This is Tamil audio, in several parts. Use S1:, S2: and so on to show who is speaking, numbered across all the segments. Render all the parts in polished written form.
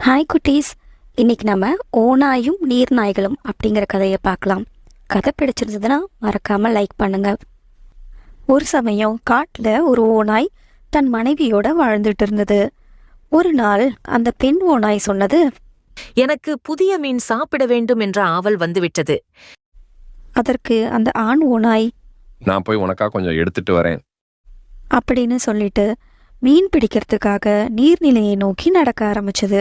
S1: ஹாய் குட்டீஸ், இன்னைக்கு நம்ம ஓநாயும் நீர்நாய்களும் அப்படிங்கிற கதையை பார்க்கலாம். கதை பிடிச்சிருந்ததுன்னா மறக்காமல் லைக் பண்ணுங்க. ஒரு சமயம் காட்டில் ஒரு ஓநாய் தன் மனைவியோட வாழ்ந்துட்டு இருந்தது. ஒரு நாள் அந்த பெண் ஓநாய் சொன்னது,
S2: எனக்கு புதிய மீன் சாப்பிட வேண்டும் என்ற ஆவல் வந்துவிட்டது.
S1: அதற்கு அந்த ஆண் ஓநாய்,
S3: நான் போய் உனக்கா கொஞ்சம் எடுத்துட்டு வரேன்
S1: அப்படின்னு சொல்லிட்டு மீன் பிடிக்கிறதுக்காக நீர்நிலையை நோக்கி நடக்க ஆரம்பிச்சது.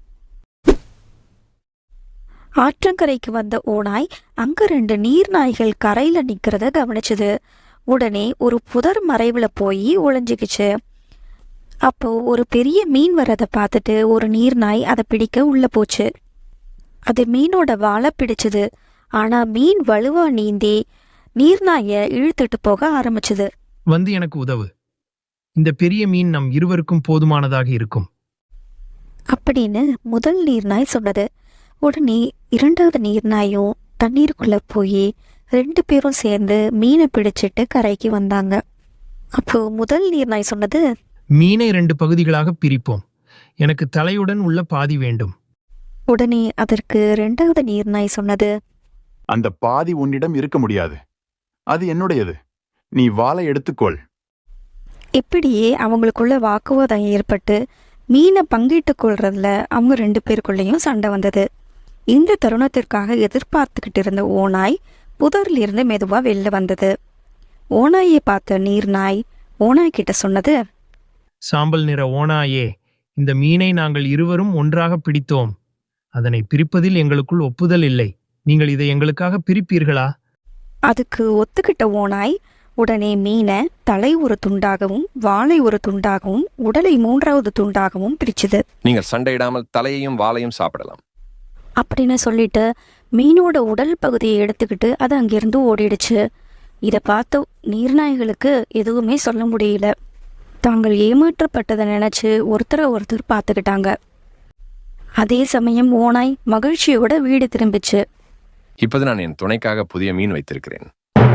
S1: ஆற்றங்கரைக்கு வந்த ஓநாய் அங்க 2 நீர்நாய்கள் கரையில நிக்கிறத கவனிச்சது. உடனே ஒரு புதர் மறைவுல போய் ஒளிஞ்சுக்கிச்சு. அப்போ ஒரு பெரிய மீன் வரதை பார்த்துட்டு ஒரு நீர்நாய் அதை பிடிக்க உள்ள போச்சு. அது மீனோட வாலை பிடிச்சது. ஆனா மீன் வலுவா நீந்தி நீர்நாயை இழுத்துட்டு போக ஆரம்பிச்சது.
S4: வந்து எனக்கு உதவு. இந்த பெரிய மீன் நம் இருவருக்கும் போதுமானதாக இருக்கும்
S1: அப்படின்னு முதல் நீர்நாய் சொன்னது. உடனே 2வது நீர்நாயும் தண்ணீருக்குள்ள போய் 2 பேரும் சேர்ந்து மீனை பிடிச்சிட்டு கரைக்கு வந்தாங்க. அப்போ முதல் நீர்நாய் சொன்னது,
S4: மீனை 2 பகுதிகளாக பிரிப்போம். எனக்கு தலையுடன் உள்ள பாதி வேண்டும்.
S1: உடனே அதற்கு 2வது நீர்நாய் சொன்னது,
S5: அந்த பாதி உன்னிடம் இருக்க முடியாது, அது என்னுடையது. நீ வாளை எடுத்துக்கொள்.
S1: இப்படியே அவங்களுக்குள்ள வாக்குவாதம் ஏற்பட்டு மீனை பங்கிட்டு கொள்றதுல அவங்க 2 பேருக்குள்ளேயும் சண்டை வந்தது. இந்த தருணத்திற்காக எதிர்பார்த்துக்கிட்டு இருந்த ஓநாய் புதரிலிருந்து மெதுவா வெளில வந்தது. ஓநாயை பார்த்த நீர்நாய் ஓநாய் கிட்ட சொன்னது,
S4: சாம்பல் நிற ஓநாயே, இந்த மீனை நாங்கள் இருவரும் ஒன்றாக பிடித்தோம். அதனை பிரிப்பதில் எங்களுக்குள் ஒப்புதல் இல்லை. நீங்கள் இதை எங்களுக்காக பிரிப்பீர்களா?
S1: அதுக்கு ஒத்துக்கிட்ட ஓநாய் உடனே மீனை தலை ஒரு துண்டாகவும் வாலை ஒரு துண்டாகவும் உடலை 3வது துண்டாகவும் பிரிச்சுது.
S3: நீங்கள் சண்டையிடாமல் தலையையும் வாலையும் சாப்பிடலாம்
S1: அப்படின்னு சொல்லிட்டு மீனோட உடல் பகுதியை எடுத்துக்கிட்டு அது அங்கிருந்து ஓடிடுச்சு. இதை பார்த்து நீர்நாய்களுக்கு எதுவுமே சொல்ல முடியல. தாங்கள் ஏமாற்றப்பட்டதை நினைச்சு ஒருத்தரை ஒருத்தர் பார்த்துக்கிட்டாங்க. அதே சமயம் ஓநாய் மகிழ்ச்சியோட வீடு திரும்பிச்சு.
S3: இப்போது நான் என் துணைக்காக புதிய மீன் வைத்திருக்கிறேன்.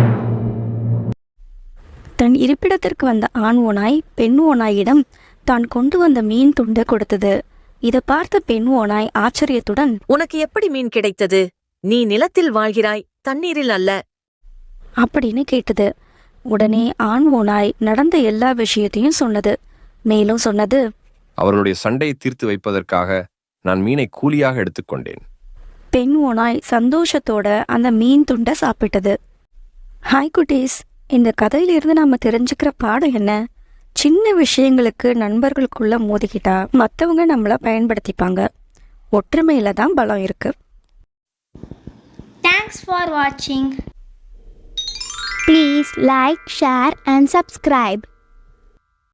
S1: தன் இருப்பிடத்திற்கு வந்த ஆண் ஓநாய் பெண் ஓநாயிடம் தான் கொண்டு வந்த மீன் துண்டை கொடுத்தது. இதை பார்த்த பெண் ஓநாய் ஆச்சரியத்துடன்,
S2: உனக்கு எப்படி மீன் கிடைத்தது? நீ நிலத்தில் வாழ்கிறாய், தண்ணீரில் அல்ல.
S1: அப்படின்னு கேட்டது. உடனே ஆண் ஓநாய் நடந்த எல்லா விஷயத்தையும் சொன்னது. மேலும் சொன்னது,
S3: அவர்களுடைய சண்டையை தீர்த்து வைப்பதற்காக நான் மீனை கூலியாக எடுத்துக்கொண்டேன்.
S1: பெண் ஓநாய் சந்தோஷத்தோட அந்த மீன் துண்டை சாப்பிட்டது. ஹாய் குட்டீஸ், இந்த கதையிலிருந்து நாம தெரிஞ்சுக்கிற பாடம் என்ன? சின்ன விஷயங்களுக்கு நண்பர்களுக்குள்ள மோதிக்கிட்டா மற்றவங்க நம்மளை பயன்படுத்திப்பாங்க. ஒற்றுமையில தான் பலம் இருக்கு.
S6: Thanks for watching.
S7: Please like, share and subscribe.